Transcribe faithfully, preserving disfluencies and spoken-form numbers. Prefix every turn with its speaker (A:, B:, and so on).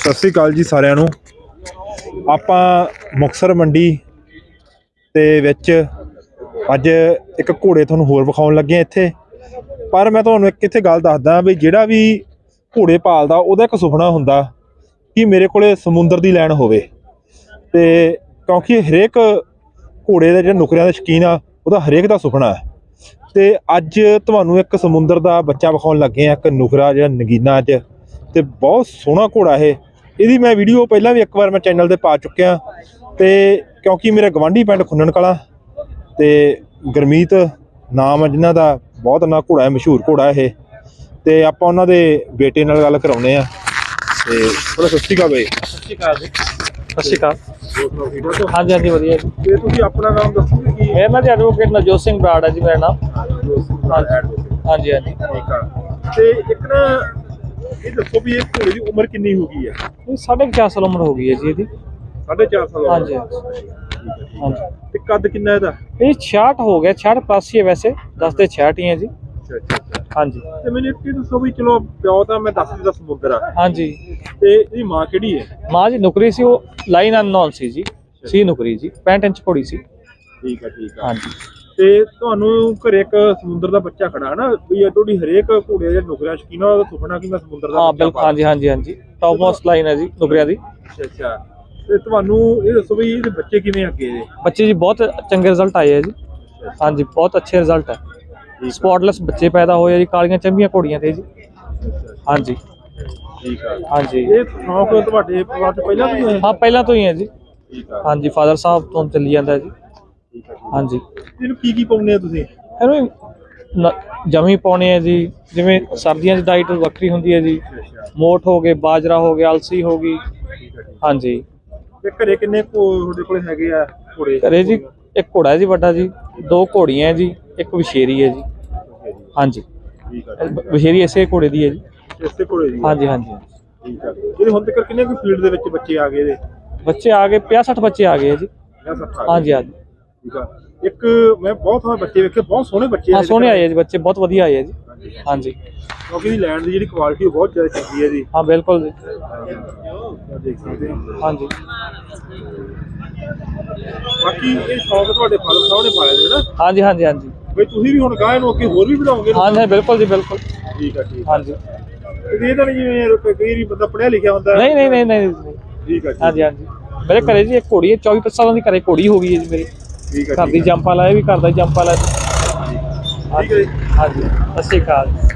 A: ਸਤਿ ਸ਼੍ਰੀ ਅਕਾਲ ਜੀ ਸਾਰਿਆਂ ਨੂੰ। ਆਪਾਂ ਮੁਕਤਸਰ ਮੰਡੀ ਦੇ ਵਿੱਚ ਅੱਜ ਇੱਕ ਘੋੜੇ ਤੁਹਾਨੂੰ ਹੋਰ ਵਿਖਾਉਣ ਲੱਗੇ ਇੱਥੇ। ਪਰ ਮੈਂ ਤੁਹਾਨੂੰ ਇੱਕ ਇੱਥੇ ਗੱਲ ਦੱਸਦਾ ਵੀ ਜਿਹੜਾ ਵੀ ਘੋੜੇ ਪਾਲਦਾ ਉਹਦਾ ਇੱਕ ਸੁਪਨਾ ਹੁੰਦਾ ਕਿ ਮੇਰੇ ਕੋਲੇ ਸਮੁੰਦਰ ਦੀ ਲੈਣ ਹੋਵੇ, ਤੇ ਕਿਉਂਕਿ ਹਰੇਕ ਘੋੜੇ ਦੇ ਜਿਹੜੇ ਨੁਕਰਿਆਂ ਦੇ ਸ਼ੌਕੀਨ ਆ ਉਹਦਾ ਹਰੇਕ ਦਾ ਸੁਪਨਾ ਹੈ। ਤੇ ਅੱਜ ਤੁਹਾਨੂੰ ਇੱਕ ਸਮੁੰਦਰ ਦਾ ਬੱਚਾ ਵਿਖਾਉਣ ਲੱਗੇ ਆ, ਇੱਕ ਨੁਕਰਾ ਜਿਹੜਾ ਨਗੀਨਾ ਅੱਜ, ਤੇ ਬਹੁਤ ਸੋਹਣਾ ਘੋੜਾ ਇਹ। ਇਹਦੀ ਮੈਂ ਵੀਡੀਓ ਪਹਿਲਾਂ ਵੀ ਇੱਕ ਵਾਰ ਮੈਂ ਚੈਨਲ ਤੇ ਪਾ ਚੁੱਕਿਆ, ਤੇ ਕਿਉਂਕਿ ਮੇਰੇ ਗਵਾਂਢੀ ਪਿੰਡ ਖੁੰਨਣ ਕਲਾਂ ਤੇ ਗੁਰਮੀਤ ਨਾਮ ਹੈ ਜਿਨ੍ਹਾਂ ਦਾ, ਬਹੁਤ ਨਾ ਘੋੜਾ ਹੈ, ਮਸ਼ਹੂਰ ਘੋੜਾ ਇਹ। ਤੇ ਆਪਾਂ ਉਹਨਾਂ ਦੇ ਬੇਟੇ ਨਾਲ ਗੱਲ ਕਰਾਉਂਦੇ ਆ। ਤੇ ਥੋੜਾ ਸਤਿ ਸ਼੍ਰੀ ਅਕਾਲ ਬਾਈ।
B: ਸਤਿ ਸ਼੍ਰੀ ਅਕਾਲ ਜੀ। ਸਤਿ ਸ਼੍ਰੀ ਅਕਾਲ। ਹਾਂਜੀ ਹਾਂਜੀ ਵਧੀਆ ਜੀ।
A: ਤੇ ਤੁਸੀਂ ਆਪਣਾ ਨਾਮ ਦੱਸੋਗੇ ਕੀ?
B: ਮੇਰਾ ਨਾਮ ਜੀ ਐਡਵੋਕੇਟ ਨਵਜੋਤ ਸਿੰਘ ਬਰਾੜ ਹੈ ਜੀ ਮੇਰਾ ਨਾਮ। ਹਾਂਜੀ ਹਾਂਜੀ
A: ਠੀਕ ਆ। ਤੇ ਇੱਕ ਨਾ ਇਹ ਦੱਸੋ ਵੀ ਇਹ ਘੋੜੇ ਦੀ ਉਮਰ ਕਿੰਨੀ ਹੋ ਗਈ ਹੈ?
B: ਇਹ ਸਾਢੇ ਕੁ ਚਾਰ ਸਾਲ ਉਮਰ ਹੋ ਗਈ ਹੈ ਜੀ ਇਹਦੀ।
A: ਸਾਢੇ ਚਾਰ ਸਾਲ?
B: ਹਾਂਜੀ
A: ਹਾਂਜੀ। ਤੇ ਕੱਦ ਕਿੰਨਾ ਇਹਦਾ?
B: ਇਹ ਛਿਆਹਠ ਹੋ ਗਿਆ, ਛਿਆਹਠ ਪਲੱਸ ਹੀ ਹੈ ਵੈਸੇ, ਦਸ ਤੇ ਛਿਆਹਠ ਹੀ ਹੈ ਜੀ।
A: ਅੱਛਾ ਅੱਛਾ।
B: ਹਾਂਜੀ।
A: ਤੇ ਮੈਨੂੰ ਇੱਕ ਚੀਜ਼ ਦੱਸੋ ਵੀ ਚਲੋ ਪਿਓ ਤਾਂ ਮੈਂ ਦੱਸ ਦਿੱਤਾ ਸਮੁੰਦਰ ਆ,
B: ਹਾਂਜੀ,
A: ਤੇ ਇਹਦੀ ਮਾਂ ਕਿਹੜੀ ਹੈ?
B: ਮਾਂ ਜੀ ਨੁਕਰੀ ਸੀ, ਉਹ ਲਾਈਨ ਅਨਨੋਨ ਸੀ ਜੀ, ਸੀ ਨੁਕਰੀ ਜੀ, ਪੈਂਹਠ ਇੰਚ ਘੋੜੀ ਸੀ।
A: ਠੀਕ ਆ ਠੀਕ ਆ।
B: ਹਾਂਜੀ।
A: ਤੇ ਤੁਹਾਨੂੰ ਘਰੇ ਇੱਕ ਸਮੁੰਦਰ ਦਾ ਬੱਚਾ ਖੜਾ ਹੈ ਨਾ, ਵੀ ਤੁਹਾਡੀ ਹਰੇਕ ਘੋੜੇ ਦੇ ਨੁਕਰਿਆਂ ਸ਼ੌਕੀਨ ਉਹਦਾ ਸੁਪਨਾ ਕਿ ਮੈਂ ਸਮੁੰਦਰ ਦਾ
B: ਹਾਂ ਬਿਲਕੁਲ, ਹਾਂਜੀ ਹਾਂਜੀ ਹਾਂਜੀ, ਟੌਪ ਮੋਸਟ ਲਾਈਨ ਹੈ ਜੀ ਨੁਕਰਿਆਂ ਦੀ।
A: ਅੱਛਾ ਅੱਛਾ। ਤੇ ਤੁਹਾਨੂੰ ਇਹ ਦੱਸੋ ਵੀ ਇਹਦੇ ਬੱਚੇ ਕਿਵੇਂ ਅੱਗੇ ਇਹਦੇ?
B: ਬੱਚੇ ਜੀ ਬਹੁਤ ਚੰਗੇ ਰਿਜ਼ਲਟ ਆਏ ਹੈ ਜੀ। ਹਾਂਜੀ, ਬਹੁਤ ਅੱਛੇ ਰਿਜ਼ਲਟ ਹੈ। ਸਪੌਟਲੈਸ ਬੱਚੇ ਪੈਦਾ ਹੋਏ ਜੀ, ਕਾਲੀਆਂ ਚੰਬੀਆਂ ਘੋੜੀਆਂ ਤੇ ਜੀ। ਹਾਂਜੀ
A: ਠੀਕ ਆ।
B: ਹਾਂਜੀ।
A: ਇਹ ਸ਼ੌਂਕ ਤੁਹਾਡੇ ਪਰਿਵਾਰ ਤੋਂ ਪਹਿਲਾਂ ਤੋਂ ਹੀ ਹੈ?
B: ਹਾਂ ਪਹਿਲਾਂ ਤੋਂ ਹੀ ਹੈ ਜੀ।
A: ਠੀਕ ਆ।
B: ਹਾਂਜੀ, ਫਾਦਰ ਸਾਹਿਬ ਤੋਂ ਚੱਲੀ ਜਾਂਦਾ ਜੀ।
A: ਠੀਕ ਆ।
B: ਹਾਂਜੀ।
A: ਇਹਨੂੰ ਕੀ ਕੀ ਪਾਉਂਦੇ ਆ ਤੁਸੀਂ?
B: ਇਹਨੂੰ ਜਮੀ ਪਾਉਣੇ ਆ ਜੀ, ਜਿਵੇਂ ਸਰਦੀਆਂ 'ਚ ਡਾਈਟ ਵੱਖਰੀ ਹੁੰਦੀ ਹੈ ਜੀ। ਮੋਠ ਹੋ ਗਏ, ਬਾਜਰਾ ਹੋ ਗਿਆ, ਅਲਸੀ ਹੋ ਗਈ। ਹਾਂਜੀ।
A: ਤੇ ਘਰੇ ਕਿੰਨੇ ਤੁਹਾਡੇ ਕੋਲ ਹੈਗੇ ਆ ਘੋੜੇ?
B: ਘਰੇ ਜੀ ਇੱਕ ਘੋੜਾ ਹੈ ਜੀ ਵੱਡਾ ਜੀ, ਦੋ ਘੋੜੀਆਂ ਹੈ ਜੀ, ਇੱਕ ਵਿਸ਼ੇਰੀ ਹੈ ਜੀ। ਹਾਂਜੀ।
A: ਠੀਕ ਆ।
B: ਵਿਸ਼ੇਰੀ ਇਸੇ ਘੋੜੇ ਦੀ ਹੈ ਜੀ।
A: ਇਸੇ ਘੋੜੇ ਦੀ?
B: ਹਾਂਜੀ ਹਾਂਜੀ।
A: ਠੀਕ ਆ। ਇਹਦੇ ਹੁਣ ਤੱਕ ਕਿੰਨੇ ਕੁ ਫੀਲਡ ਦੇ ਵਿੱਚ ਬੱਚੇ ਆ ਗਏ ਇਹਦੇ?
B: ਬੱਚੇ ਆ ਗਏ, ਪੰਜਾਹ ਸੱਠ ਬੱਚੇ ਆ ਗਏ ਆ ਜੀ।
A: ਪੰਜਾਹ ਸੱਠ ਆ ਗਏ?
B: ਹਾਂਜੀ ਹਾਂਜੀ।
A: ਠੀਕ ਆ। ਇੱਕ ਮੈਂ ਬਹੁਤ ਸਾਰੇ ਬੱਚੇ ਵੇਖੇ, ਬਹੁਤ ਸੋਹਣੇ ਬੱਚੇ।
B: ਹਾਂ ਸੋਹਣੇ ਆਏ ਆ ਜੀ ਬੱਚੇ, ਬਹੁਤ ਵਧੀਆ ਆਏ ਆ ਜੀ। ਹਾਂਜੀ।
A: ਕਿਉਂਕਿ ਇਹਦੀ ਲੈਂਡ ਦੀ ਜਿਹੜੀ ਕੁਆਲਿਟੀ ਉਹ ਬਹੁਤ ਜ਼ਿਆਦਾ ਚੰਗੀ ਹੈ ਜੀ।
B: ਹਾਂ ਬਿਲਕੁਲ ਜੀ।
A: ਦੇਖ ਸਕਦੇ ਹੋ।
B: ਹਾਂਜੀ।
A: ਬਾਕੀ ਇਹ ਸ਼ੌਕ ਤੁਹਾਡੇ ਫਾਦਰ ਸਾਹਿਬ ਨੇ ਪਾਇਆ ਸੀ ਨਾ?
B: ਹਾਂਜੀ ਹਾਂਜੀ ਹਾਂਜੀ।
A: ਬਈ ਤੁਸੀਂ ਵੀ ਹੁਣ ਗਾਂ ਨੂੰ ਅੱਗੇ ਹੋਰ ਵੀ ਵਧਾਓਗੇ?
B: ਹਾਂਜੀ ਬਿਲਕੁਲ ਜੀ ਬਿਲਕੁਲ।
A: ਠੀਕ ਆ ਠੀਕ। ਹਾਂਜੀ।
B: ਹਾਂਜੀ।
A: ਇਹ ਤਾਂ ਨਹੀਂ ਜਿਵੇਂ ਕਈ ਵਾਰੀ ਬੰਦਾ ਪੜ੍ਹਿਆ ਲਿਖਿਆ ਹੁੰਦਾ?
B: ਨਹੀਂ ਨਹੀਂ ਨਹੀਂ ਨਹੀਂ।
A: ਠੀਕ ਆ।
B: ਹਾਂਜੀ ਹਾਂਜੀ। ਮੇਰੇ ਘਰੇ ਜੀ ਇੱਕ ਘੋੜੀ ਹੈ, ਚੌਵੀ ਪੱਚੀ ਸਾਲਾਂ ਦੀ ਘਰੇ ਘੋੜੀ ਹੋ ਗਈ ਹੈ ਜੀ ਮੇਰੀ।
A: ਠੀਕ ਆ।
B: ਘਰ ਦੀ ਜੰਪ ਵਾਲਾ, ਇਹ ਵੀ ਘਰ ਦਾ ਜੰਪ ਵਾਲਾ।
A: ਠੀਕ ਹੈ ਜੀ।
B: ਹਾਂਜੀ। ਸਤਿ ਸ਼੍ਰੀ ਅਕਾਲ।